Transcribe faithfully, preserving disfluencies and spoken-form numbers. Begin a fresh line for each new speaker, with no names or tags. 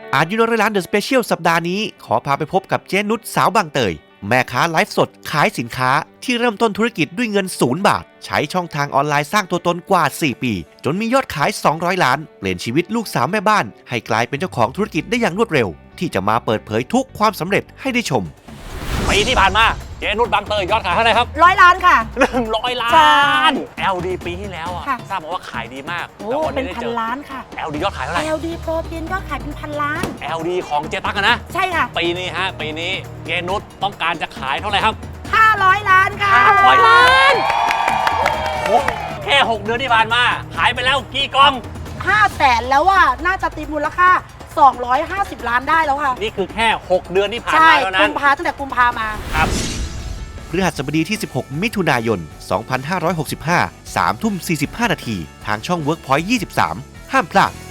อายุน้อยร้านเดอะสเปเชียลสัปดาห์นี้ขอพาไปพบกับเจ๊นุชสาวบางเตยแม่ค้าไลฟ์สดขายสินค้าที่เริ่มต้นธุรกิจด้วยเงินศูนย์บาทใช้ช่องทางออนไลน์สร้างตัวตนกว่าสี่ปีจนมียอดขายสองร้อยล้านเปลี่ยนชีวิตลูกสาวแม่บ้านให้กลายเป็นเจ้าของธุรกิจได้อย่างรวดเร็วที่จะมาเปิดเผยทุกความสำเร็จให้ได้ชม
ปีที่ผ่านมาเจนุชบางเตยยอดขายเท่าไหร่ครับ
ร้อยล้านค่ะ
หนึ่งร้อยล้า
ใช่
น แอล ดี ปีที่แล้วอ่ะทราบมาว่าขายดีมาก
โอ้เป็นพันล้านค่ะ
แอล ดี ยอดขายเท่าไหร่
แอล ดี โปรตีนยอดขายเป็นพันล้าน
แอล ดี ของเจตักนะ
ใช่ค่ะ
ปีนี้ฮะปีนี้เจนุชต้องการจะขายเท่าไหร่ครับ
ห้าร้อยล้านค่ะ
ห้าร้อยล้านแค่หกเดือนที่ผ่านมาขายไปแล้วกี่กล่อง
ห้าแสนแล้วอ่ะน่าจะตีมูลค่าสองร้อยห้าสิบล้านได้แล้วค่ะ
นี่คือแค่หกเดือนที่ผ่านมาเท่านั้น
ใช่กุมภาตั้งแต่กุมภามา
ครับ
พฤหัสบดีที่สิบหกมิถุนายนสองพันห้าร้อยหกสิบห้า สามทุ่มสี่สิบห้านาทีทางช่อง Workpoint ยี่สิบสามห้ามพลาด